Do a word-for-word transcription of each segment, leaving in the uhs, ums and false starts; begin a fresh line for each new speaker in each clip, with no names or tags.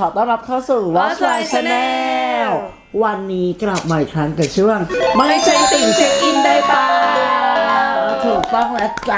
อต้อนรับเข้าสู่ Watch My Channel วันนี้กลับมาอีกครั้งกับช่วงไม่ใช่ติ่งเช็คอินได้ป่าถูกต้องแล้วจ้า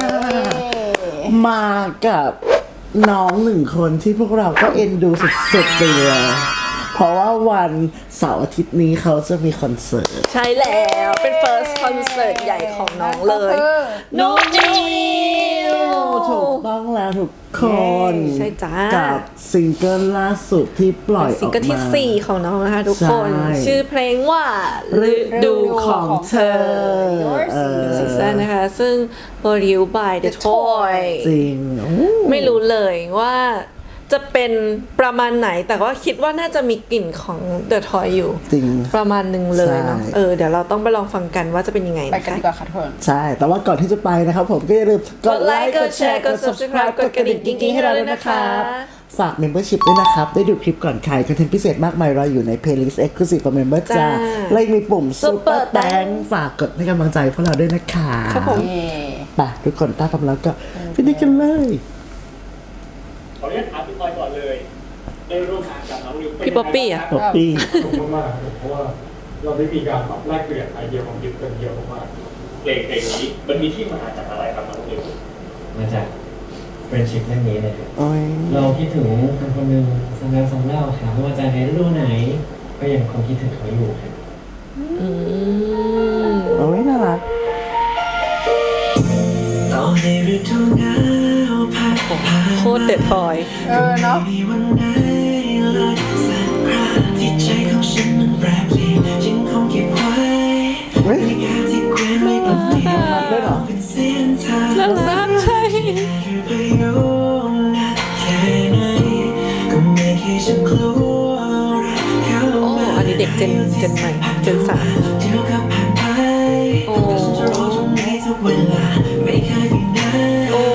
มากับน้องหนึ่งคนที่พวกเราก็เอ็นดูสุดๆเลยเพราะว่าวันเสาร์อาทิตย์นี้เขาจะมีคอนเสิร์ต
ใช่แล้วเป็น first คอนเสิร์ตใหญ่ของน้องเลยนุ๊กนิว
ถูกต้องแล้วทุกคน
ใช่จ้า
กับซิงเกิลล่าสุดที่ปล่อยออกมา
ซิงเกิลที่สี่ของน้องนะคะทุกคนชื่อเพลงว่าฤดูของเธอซีซั่นนะคะซึ่ง produced by The Toy
จริง
ไม่รู้เลยว่าจะเป็นประมาณไหนแต่ว่าคิดว่าน่าจะมีกลิ่นของ The Toy อยู่
จริง
ประมาณหนึ่งเลยเนาะเออเดี๋ยวเราต้องไปลองฟังกันว่าจะเป็นยังไง
ไปกันดีกว่าค่ะทุกคน
ใช่แต่ว่าก่อนที่จะไปนะครับผมก็อย่าลืม
กดไลค์กดแชร์กด subscribe กดกระดิ่งกิ๊งๆให้เราด้วยนะคะ
ฝาก membership ด้วยนะครับได้ดูคลิปก่อนใครคอนเทนต์พิเศษมากมายรออยู่ใน playlist exclusive for member จ้าและมีปุ่ม super thank ฝากกดให้กำลังใจพวกเราด้วยนะคะ
ครับผม
ไปทุกคนต้าพร้อมแล้วก็ไปดูกันเลย
ขออนุญาตถามพี่พลอยก่อนเลยได้ร่วมงานกับน้องนิว
พี่ป๊อปปี้อ่ะ
ป๊อปปี้
ขอบคุณมากเพราะว่าเราได้มีการแบบแลกเปลี่ยนไอเดียความคิดกันเยอะมากเพลงเพลงนี้มันมีที่มาจากอะไรครับน้องนิว
มาจากเฟรนชิพเรื่องนี้เลยครับเราคิดถึงคนคนหนึ่งสำหรับสำเล่าถามว่าจะในฤดูไหนก็ยังคงคิดถึงเขาอยู่ครับ
อืม
โอ้ยน่ารัก
โคตรเด็ดพอย
เออเนาะ
เฮ้ยมันได้เหรอ
น่ารักใช่โอ้อันนี้เด็กเจนเจนใหม่เจนสามโอ้โอ้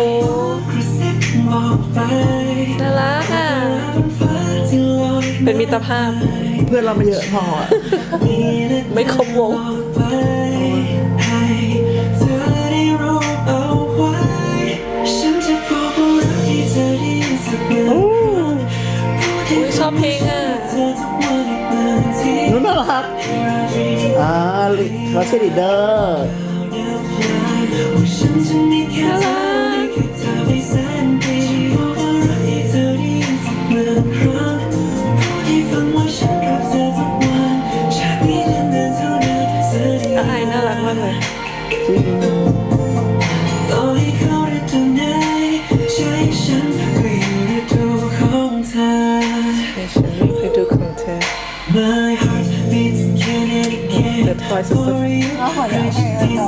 น่ารักอ่ะเป็นมิตรภาพ
เพื่อนเราไม่เยอะพอ
ไม่ครบวงชอบเพลงอ่ะ
นู้นน่ารักอ่าเขาชื่อลีดเดอร์
น่ารักอายน่ารักมากเลยThe Toy สุดๆ
ก็ขออยากให้เรา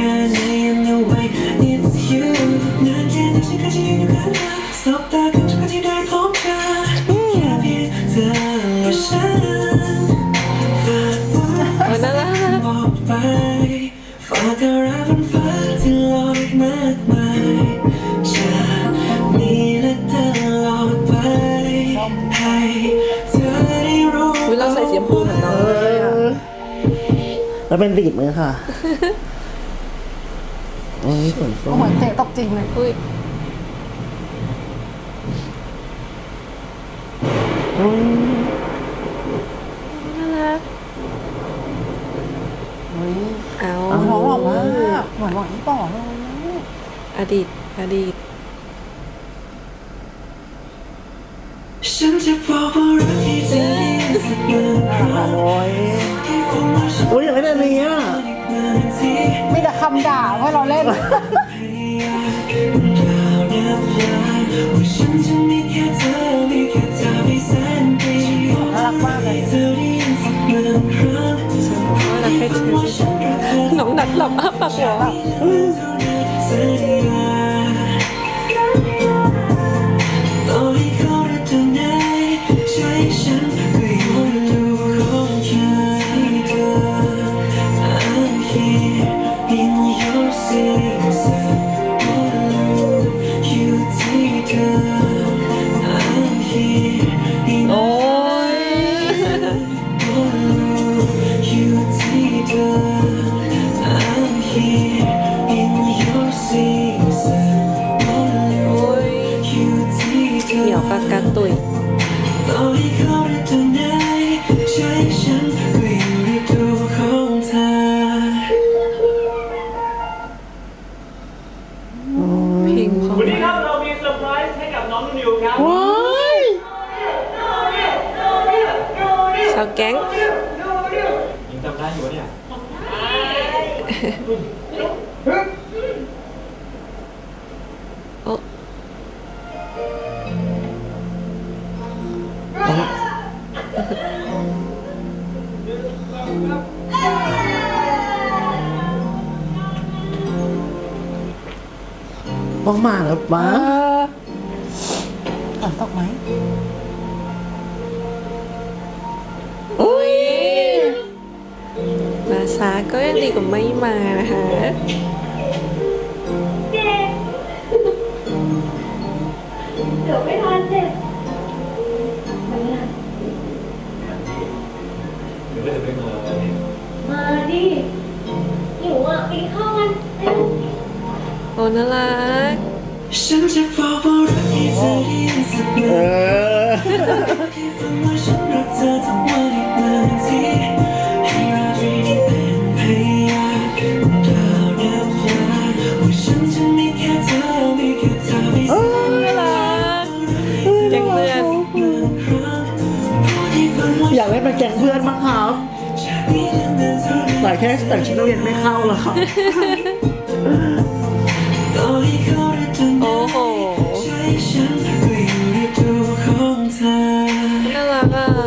โอ้น่ารักวิเราใส่สีชมพูเหมือนน้องเลยอ่ะ
แล้วเป็นดีดมือค่ะโอ้ยฝนตก
เหมือนเตะตกจริงเลย
อุ้ยน่ารักเอา
น้องหล่อมากเหมือนหวานต่อเลย
อดีตอดีต
ฉันจะบอกว่ารักที่เธอโอ้ยโอ้ยอย่างไรเนี่ย
มีแต่คำด่าให้เราเล่นน่ารักมากเลย
รักให้เธอน้องนัดหลับอ้าปากหัวโอ้
ต้องมาแล้ววะ
ฝนตกไหม
อุ้ยมาช้าก็ยังดีกว่าไม่มานะคะ
เดี๋ยวไม่ทันเด็กมาเนี่ย
หรือว่าจะไม่มา
มาดิหิวอ่ะไปกินข้าวกันเร็ว
โอ้น่ารัก
ฉันจะบอกว่ารักที่เธอได้ยินสัก
เอ
วัน
อ
ที่ฝันว่าฉันรักเธอทั้งวันอีกหนึ่งทีให้ราตรีนี้เป็นพยานกล่าวน้ำยาว่าฉันจะมีแค่เธอมีแค่เธอไม่สาย
น่ารักแก๊งเพื่อน
หนึ่งครั้งเพราะที่ฝันว่า
อยากเล่นเป็นแก๊งเพื่อนมั้งครับ
ชาตินี้จะเป็นเท่าไร
แต่แค่แต่งชุดนักเรียนไม่เข้าแล้วครับ
ต่อให้เขาได้จน
โอ้โห
ใจฉันก็อยู่ในตัวของเธอ
น่ารักอ่ะ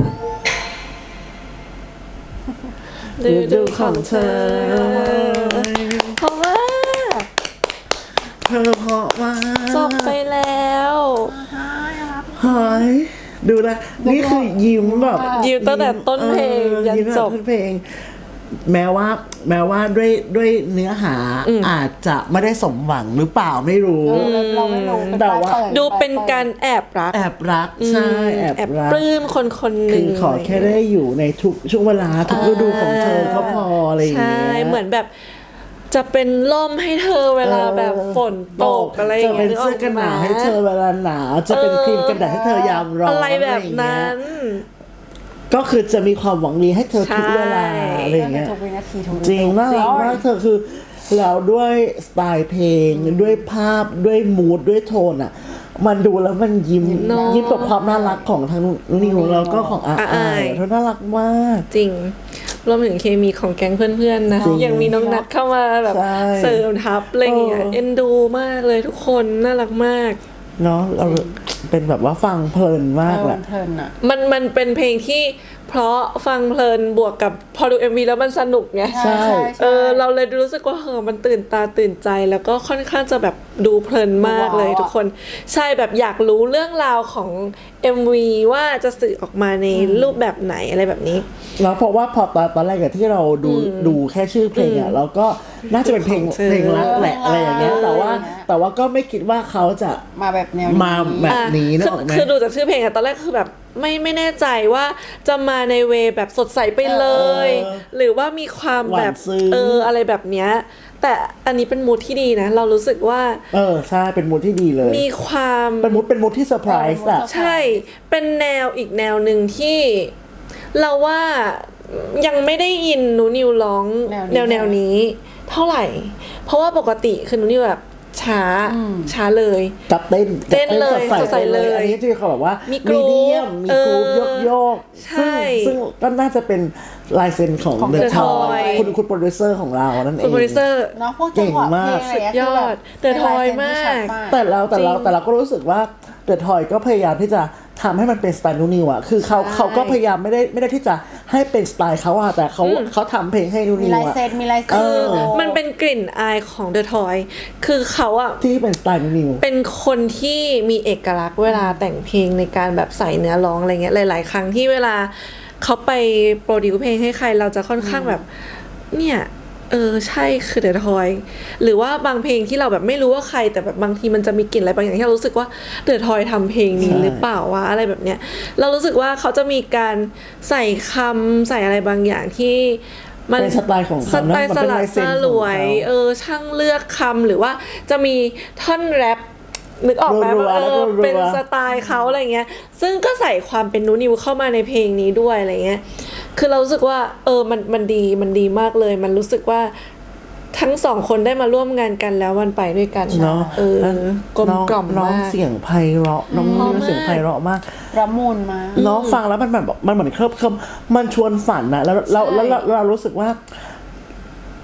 ดูดูของเธอเพราะว่า
เธอเพราะว่า
จบไปแล้ว
เฮ้ยดูนะนี่คือยิ้มแบบ
ยิ้มตั้งแต่ต้นเพลง
ออ
ยัน
ยิ้มตั้ง
จ
แต่
บ
ต้นเพลง แม้ว่า แม้ว่าด้วยด้วยเนื้อหาอาจจะไม่ได้สมหวังหรือเปล่าไม่รู้
เราไม่รู้เป็น
แต่
ปลาย
ว่า
เปิด
ดูเป็นการแอบรัก
แอบรักใช่แอบ
แอบ
รัก
ปลื้มคนคนห
คื
นึ่ง
อขอแค่ได้อยู่ในทุกช่วงเวลาทุกฤดูของเธอก็พออะไรอย่าง
ใช่
เงี้ย
เหมือนแบบจะเป็นล่มให้เธอเวลาแบบฝนตกอะไรอย่าง
จะเป็น
เงี้ย
เสื้อกันหนาวให้เธอเวลาหนาวจะเป็นครีมกันแดดให้เธอยามร้อน
อะไรแบบนั้น
ก็คือจะมีความหวังดีให้เธอทุกเวลา
ใช่
อะไรอย่างเงี้ย
ทุกวินาทีทุก
จริงน่ารักมากเธอคือแล้วด้วยสไตล์เพลงด้วยภาพด้วยมูดด้วยโทนอ่ะ มันดูแล้วมันยิ้ม
เนอะ
ยิ้มกับความน่ารักของทั้งนุ่นนิวแล้วก็ของอา
อา
อา
อาย
เธอน่ารักมาก
จริงรวมถึงเคมีของแก๊งเพื่อนๆนะ
จริง
ยังมีน้องนัดเข้ามาแบบ
ใช่
เสริมทัพอะไรอย่างเงี้ย
เออ
เอ็นดูมากเลยทุกคนน่ารักมาก
เนาะเราเป็นแบบว่าฟังเพลินมากแหละ
เพลินๆอ่ะ
มันมันเป็นเพลงที่เพราะฟังเพลินบวกกับพอดู เอ็ม วี แล้วมันสนุกไง
ใช่
เออเราเลยรู้สึกว่าเออมันตื่นตาตื่นใจ แล้วก็ค่อนข้างจะแบบดูเพลินมากเลย
ว้าว
ทุกคน ใช่แบบอยากรู้เรื่องราวของ เอ็ม วี ว่าจะสื่อออกมาในรูปแบบไหนอะไรแบบนี้
แล้วเพราะว่าพอตอนตอนแรกอะที่เราดูดูแค่ชื่อเพลงอะเราก็น่าจะเป็นเพลง
ของเธอ
เพลงรักแหละอะไรอย่างเงี้ยแต่ว่า
เออ
แต่ว่าก็ไม่คิดว่าเขาจะ
มาแบบแนวนี้
มาแบบ
อ่ะ
นี้นึก
คือ
ออกไหม
คือดูจากชื่อเพลงอะตอนแรกคือแบบไม่ไม่แน่ใจว่าจะมาในเวแบบสดใสไปเลย
เออ
หรือว่ามีความแบบ
หวานซึ้ง
เอออะไรแบบเนี้ยแต่อันนี้เป็นมูดที่ดีนะ เรารู้สึกว่า
เออใช่เป็นมูดที่ดีเลย
มีความ
เป็นมูดเป็นมูดที่เซอร์ไพรส์อะ
ใช่ เป็นแนวอีกแนวหนึ่งที่เราว่ายังไม่ได้ยินหนูนิวร้อง
แน
แน
ว
ว
นี้
แนวนี้ เท่าไหร่ เพราะว่าปกติคือหนูนิวแบบช้าช้าเลย
กับเต้น
เต้นเลย
กับ
สดใสเลย
อันนี้ที่เขาแบบว่า
มี
มี
กรุ๊ป
เดียมมีกรุ๊ป
เออ
โยกโยก
ใช่
ซึ่งซึ่งก็น่าจะเป็นลายเซ็นของ
ของ
เดอะ
The
ทอย
Toy
คุณคุณโปรดิวเซอร์ของเรานั่นเอ
คุณ
ง
โปรดิวเซอร์
เนาะพวกจังหวะเพลงอะไร
สุดยอด
คือแบบ
The Toy
เป็นลายเซ็นที่ชัด
มาก
แต่เราแต่เรา
จริง
แต่เราก็รู้สึกว่าเดอะทอยก็พยายามที่จะทำให้มันเป็นสไตล์นูนิวอะคือเขา
ใช่
เขาก็พยายามไม่ได้ไม่ได้ที่จะให้เป็นสไตล์เขาอะแต่เขาเขาทำเพลงให้นู
มี
นิว
ลาย
อะ
เซ็นมีลายเซ็น
เออ
มันเป็นกลิ่นอายของ The Toy คือเขาอะ
ที่เป็นสไตล์นูนิว
เป็นคนที่มีเอกลักษณ์เวลาแต่งเพลงในการแบบใส่เนื้อร้องอะไรเงี้ยหลาย ๆ ครั้งที่เวลาเขาไปโปรดิวเพลงให้ใครเราจะค่อนข้างแบบ เนี่ยเออใช่คือเดอะทอยหรือว่าบางเพลงที่เราแบบไม่รู้ว่าใครแต่แบบบางทีมันจะมีกลิ่นอะไรบางอย่างที่เรารู้สึกว่าเดอะทอยทำเพลงนี้
ใช่
หรือเปล่าวะอะไรแบบเนี้ยเรารู้สึกว่าเขาจะมีการใส่คำใส่อะไรบางอย่างที่มัน
เป็นสไตล์ของ
ส
เขา
ไต
นะ
ล์
มัน
ส
เป็น
ลัด
ลายเซ็น
ส
ของ
ลวย
เขา
เออช่างเลือกคำหรือว่าจะมีท่อนแรปนึกออกไหม
รัวๆ
ว่าเอ
แล้วก็
อ
รัวๆ
เป็นสไตล์เขาอะไรเงี้ยซึ่งก็ใส่ความเป็นนูนิวเข้ามาในเพลงนี้ด้วยอะไรเงี้ยคือเรารู้สึกว่าเออมันมันดีมันดีมากเลย มันรู้สึกว่าทั้งสองคนได้มาร่วมงานกันแล้วมันไปด้วยกัน
เนาะ
เออกลมกล่อม
น้อง
มาก
เสียงไพเราะน้อง
เพราะ
นิว
มาก
เสียงไพเราะมาก
ระมุนมา
เนาะฟังแล้วมันแบบมันเหมือนเคลิบเคลิมมันชวนฝันนะแล้วเราแล้วเราเรารู้สึกว่า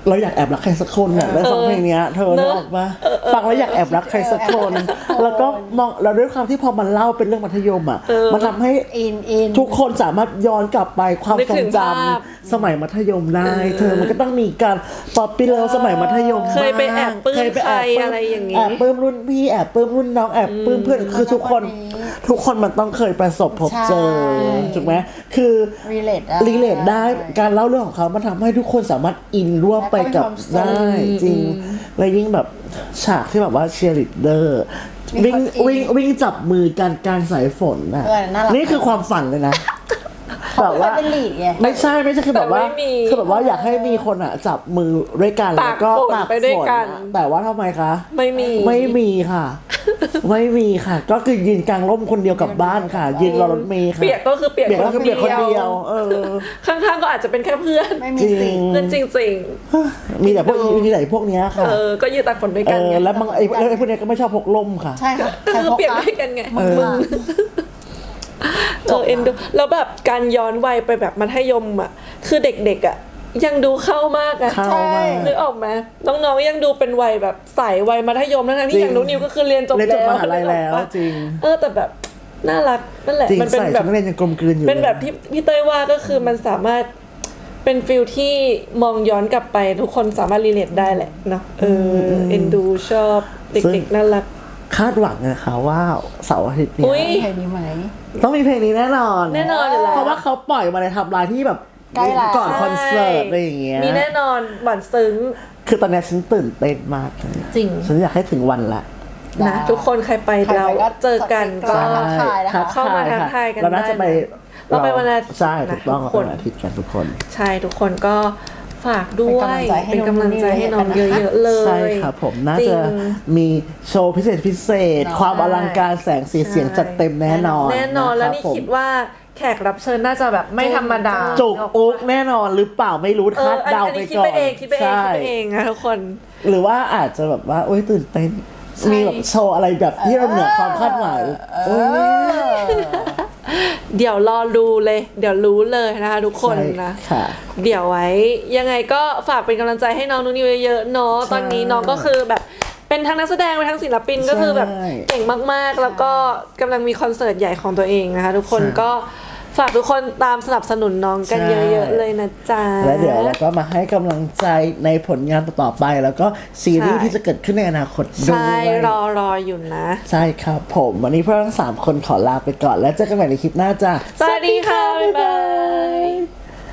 เราอยากแอบรักใครสักคนอ่ะได้ฟังเพลงเนี้ยเธอ
เน
นึ
อะ
กออกปะฟังแล้วอยากแอบรักใครสักคน แล้วก็มองเราด้วยความที่พอมันเล่าเป็นเรื่องมัธยมอ่ะมันทำให้
อินอิน
ทุกคนสามารถย้อนกลับไปความ
นึก
ทร
ถึ
ง
ง
จ
ภาพ
ำสมัยมัธยมได้ เธอมันก็ต้องมีการป๊อปปี้เลิฟสมัยมัธยม
เคยไปแอบปลื้ม
เคยไปแอบ
ใครอะไรอย่างงี้
แอบปลื้มรุ่นพี่แอบปลื้มรุ่นน้องแอบปลื้มเพื่อนคือทุกคน ทุกคนมันต้องเคยประสบพบเจอ
ใช่
ถูกไหมคือ
relate ได้
รีเลทได้การเล่าเรื่องของเขามันทำให้ทุกคนสามารถอินร่วมไปกับ
แล้วก็มีความสุข
ได้จริง และยิ่งแบบฉากที่แบบว่าเชียร์ลีดเดอร์วิ่ง
มีคนอิน
วิ่งวิ่งจับมือกันกลางสายฝนน่ะ
เออน่ารัก
นี่คือความฝันเลยนะ แบบ
ว่า
ว่า
เป็นลีดไง
ไม่ใช่ไม่ใช่คือแบบว่า
แต่ไม่มี
คือแบบว่าอยากให้มีคนอ่ะจับมือด้วยกัน
ตาก
แล้วก็
ฝน
ตาก
ไปด้วย
ฝน
กัน
อะแต่ว่าทำไมคะ
ไม่มี
ไม่มีค่ะ ไม่มีค่ะ ก็คือยืนกลางร่มคนเดียวกลับบ้านค่ะ ยืนรอรถเมล์ค่ะ
เปียกก็คือเปียก
เปียกก็คือเปียกคนเดียว เออ
ข้างๆก็อาจจะเป็นแค่เพื่อน
ไม่มี
จริ
สิ่
ง
ง
เพื่อนจริง
มีแต่พวกมีแต่พวกเนี้ย
ๆ
ค่ะ
เออ ก็ยืนตากฝนด้วย
เอ
กัน
อ
ไง
แล้วบางไอ้ไอ้พวกเนี้ยก็ไม่ชอบพกร่มค่ะ
ใช่ค่ะ
ก็
ใคร
คือ
พก
เปลี่ยน
คะ
ด้วยกันไง
เออ
มึงเออเอ็นดูแล้วแบบการย้อนวัยไปแบบมัธยมอ่ะ คือเด็กๆอ่ะ ยังดูเข้ามากอะ
เข้า
ใช่
มาก
นึกออกไหมน้องๆยังดูเป็นวัยแบบใสวัยมัธยมทั้งๆ
จริ
ที่
ง
อย่างนุ้นิวก็คือเรียนจบ
เรียนจบ
แล้ว
มหาลัยแล้ว
นึกออกปะ
จริง
เออแต่แบบน่ารักนั่นแหละ
จริง
มันเป็น
ใส่
แบ
ชุ
บ
ดนักเรียนยังกลมกลืนอยู่
เป็นแบบ
ลย
ที่พี่เต้ยว่าก็คือมันสามารถเป็นฟิลที่มองย้อนกลับไปทุกคนสามารถรีเลทได้แหละเนาะเออเอ็นดูชอบเด็กๆน่ารัก
คาดหวังนะคะว่าเสาร์อาทิตย์เนี้
อุ๊ย
เพลงนี้ไหม
ต้องมีเพลงนี้แน่นอน
แน่นอนอยู่แล้ว
เพราะว่าเขาปล่อยมาในไทำลายที่แบบ
ใกล้แล้ว
ก่อนคอนเสิร์ตอะไรอย่างเงี้ย
มีแน่นอนหวานซึ้ง
คือตอนเนี้ยฉันตื่นเต้นมากเลย
จริง
ฉันอยากให้ถึงวันละ
นะทุกคนใครไป
ใครไป
เรา
ก็
เจอกันก็
ทักทายนะคะ
เข้ามาทักทายกัน
เราน่าจะไป
ได้นะเราไปวันอาทิตย์
ใช่ถูกต้อง
นะ
เรา
ทุกคน
ไปวันอาทิตย์กันทุกคน
ใช่ทุกคนก็ฝากด้วย
เป็
เป็น
น
กำ
กำลั
ลัง
ง
ใจ
ใจ
ให้
ให้
น้อง
น้อง
เยอะๆเลย
ใช่ครับผมน่า
จริ
จะ
ง
มีโชว์พิเศษพิเศษ
เนาะ
ความอลังการแสงสีเสียงจัดเต็มแน่นอน
แน่นอนแล้วนี่
ะรับผม
คิดว่าแขกรับเชิญน่าจะแบบไม่ธรรมดา
จุกอุ๊กแน่นอนหรือเปล่าไม่รู้
เอ
คา
อ
ด
อัน
เดา
อัน
ไป
นี้คิด
ก่อ
ไป
น
เองคิดไปเอง
ใช่
คิดไปเองนะทุกคน
หรือว่าอาจจะแบบว่าโอ้ยตื่นเต้น
ใช่
มีแบบโชว์อะไรแบบที่เราเหนือความคาดหมายโอ้ย
เดี๋ยวรอดูเลย เดี๋ยวรู้เลยนะคะทุกคนนะ
ใช่ค่ะ
เดี๋ยวไว้ยังไงก็ฝากเป็นกำลังใจให้น้องนูนิวเยอะๆเนาะตอนนี้น้องก็คือแบบเป็นทั้งนักแสดงเป็นทั้งศิลปินก็คือแบบเก่งมากๆ แล้วก็กำลังมีคอนเสิร์ตใหญ่ของตัวเองนะคะทุกคนก็ฝากทุกคนตามสนับสนุนน้องกันเยอะๆเลยนะจ๊ะ
แล้วเดี๋ยวเราก็มาให้กำลังใจในผลงานต่อๆไป แล้วก็ซีรีส์
ใช่
ที่จะเกิดขึ้นในอนาคตด้ว
ใช่
ย
รอรออยู่นะ
ใช่ครับผมวันนี้พวกเราทั้งสามคนขอลาไปก่อนแล้วเจอกันใหม่ในคลิปหน้าจ้า
สวัสดีค่ะ บ๊ายบาย